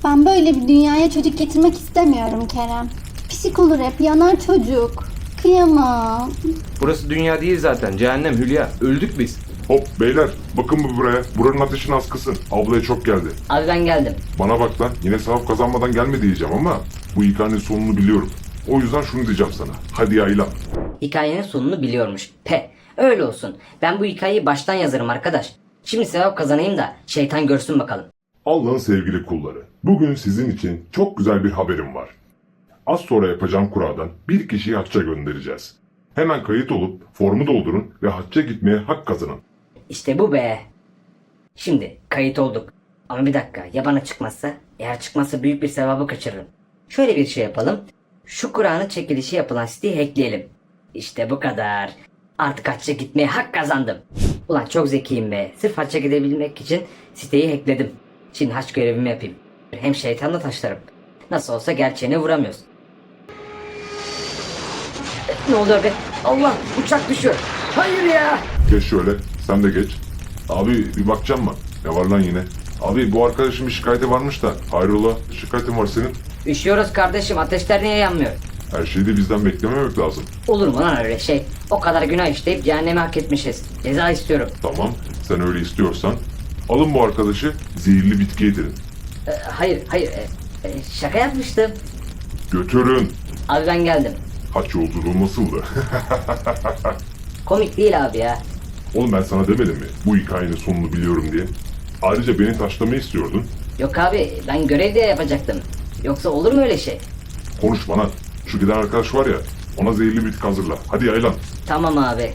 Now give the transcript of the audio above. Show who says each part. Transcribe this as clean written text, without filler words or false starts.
Speaker 1: Ben böyle bir dünyaya çocuk getirmek istemiyorum Kerem. Psik olur hep, yanar çocuk. Kıyamam.
Speaker 2: Burası dünya değil zaten. Cehennem Hülya. Öldük biz.
Speaker 3: Hop beyler, bakın bu buraya. Buranın ateşini az kısın. Ablaya çok geldi.
Speaker 4: Abi ben geldim.
Speaker 3: Bana bak lan, yine sevap kazanmadan gelme diyeceğim ama bu hikayenin sonunu biliyorum. O yüzden şunu diyeceğim sana. Hadi yaylan.
Speaker 4: Hikayenin sonunu biliyormuş. Öyle olsun. Ben bu hikayeyi baştan yazarım arkadaş. Şimdi sevap kazanayım da şeytan görsün bakalım.
Speaker 3: Allah'ın sevgili kulları. Bugün sizin için çok güzel bir haberim var. Az sonra yapacağım kuradan bir kişiyi hacca göndereceğiz. Hemen kayıt olup formu doldurun ve hacca gitmeye hak kazanın.
Speaker 4: İşte bu be. Şimdi kayıt olduk. Ama bir dakika, ya bana çıkmazsa? Eğer çıkmazsa büyük bir sevabı kaçırırım. Şöyle bir şey yapalım. Şu Kur'an'ın çekilişi yapılan siteyi hackleyelim. İşte bu kadar. Artık hacca gitmeye hak kazandım. Ulan çok zekiyim be. Sırf hacca gidebilmek için siteyi hackledim. Şimdi hac görevimi yapayım. Hem şeytanla taşlarım. Nasıl olsa gerçeğine vuramıyoruz. Ne oluyor be? Allah, uçak düşüyor. Hayır ya.
Speaker 3: Geç şöyle, sen de geç. Abi bir bakacağım mı? Ne var lan yine? Abi bu arkadaşın bir şikayeti varmış da. Hayrola, şikayetin var senin.
Speaker 4: Üşüyoruz kardeşim, ateşler niye yanmıyor?
Speaker 3: Her şeyi de bizden beklememek lazım.
Speaker 4: Olur mu lan öyle şey? O kadar günah işleyip cehenneme hak etmişiz. Ceza istiyorum.
Speaker 3: Tamam, sen öyle istiyorsan. Alın bu arkadaşı, zehirli bitki yedirin.
Speaker 4: Hayır, şaka yapmıştım.
Speaker 3: Götürün.
Speaker 4: Abi ben geldim.
Speaker 3: Haç yolculuğu nasıldı?
Speaker 4: Komik değil abi ya.
Speaker 3: Oğlum ben sana demedim mi? Bu hikayenin sonunu biliyorum diye. Ayrıca beni taşlamayı istiyordun.
Speaker 4: Yok abi, ben görev diye yapacaktım. Yoksa olur mu öyle şey?
Speaker 3: Konuşma lan. Şu giden arkadaş var ya, ona zehirli bitki hazırla. Hadi yaylan.
Speaker 4: Tamam abi.